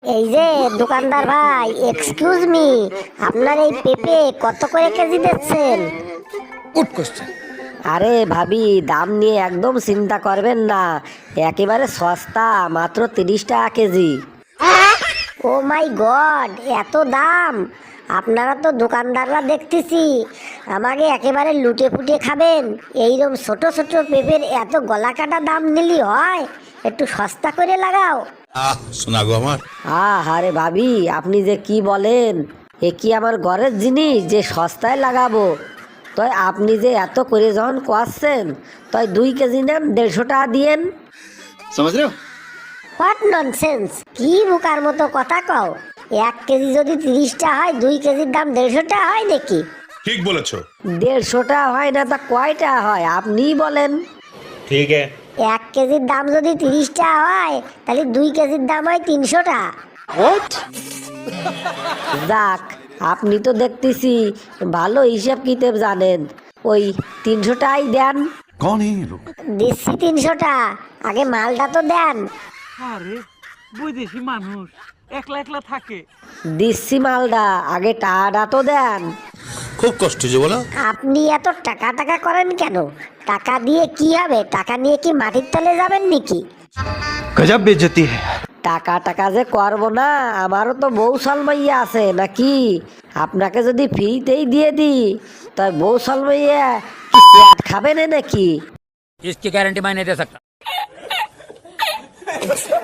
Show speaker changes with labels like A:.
A: এই যে দোকানদার ভাই, এক্সকিউজ মি, আপনার এই পেঁপে কত করে কেজি দিচ্ছেন?
B: Good question.
C: আরে ভাবি, দাম নিয়ে একদম চিন্তা করবেন না, একেবারে সস্তা, মাত্র 30 টাকা কেজি।
A: ও মাই গড, এত দাম! আপনারা তো দোকানদাররা দেখতেছি আমাকে একেবারে লুটে ফুটে খাবেন। এইরকম ছোট ছোট পেঁপের এত গলা কাটা দাম নিলি হয়? একটু সস্তা করে লাগাও।
B: শোনা গো আমার।
C: আরে ভাবি, আপনি যে কি বলেন, এ কি আমার ঘরের জিনিস যে সস্তায় লাগাবো? তাই আপনি যে এত করে যখন কোয়াচ্ছেন, তাই 2 কেজি নেন, 150 টাকা দিয়েন।
B: समझ रहे हो?
A: What nonsense! কি বোকার মতো কথা কও? 1 কেজি যদি 30টা হয়, 2 কেজির দাম 150 হয় নাকি?
B: ঠিক বলেছো।
C: 150 টাকা হয় না তা কয়টা হয় আপনিই বলেন?
B: ঠিক है।
A: 1 কেজির দাম যদি 30টা হয়, তাহলে 2 কেজির দাম হয় 300 টাকা।
C: যাক, আপনি তো দেখতেছি ভালো হিসাব কিতাব জানেন, ওই 300 টাকাই দেন।
D: कौन है ये लोग?
A: দিচ্ছি 300 টাকা, আগে মালটা তো দেন।
E: আরে বৈদেশি মানুষ একলা একলা থাকে।
C: দিচ্ছি মালদা, আগে টাকাটা তো দেন।
B: খুব কষ্ট যে বলো।
A: আপনি এত টাকা টাকা করেন কেন? টাকা দিয়ে কি হবে? টাকা নিয়ে কি মাটির তলে যাবেন নাকি?
D: गजब बेइज्जती है।
C: টাকা টাকা যে করবো না, আমারও তো বউ সালমাইয়া আছে নাকি? আপনাকে যদি ফ্রিতেই দিয়ে দিই, তাই বউ সালমাইয়া কি পেট খাবে না নাকি?
F: इसकी गारंटी मैं नहीं दे सकता।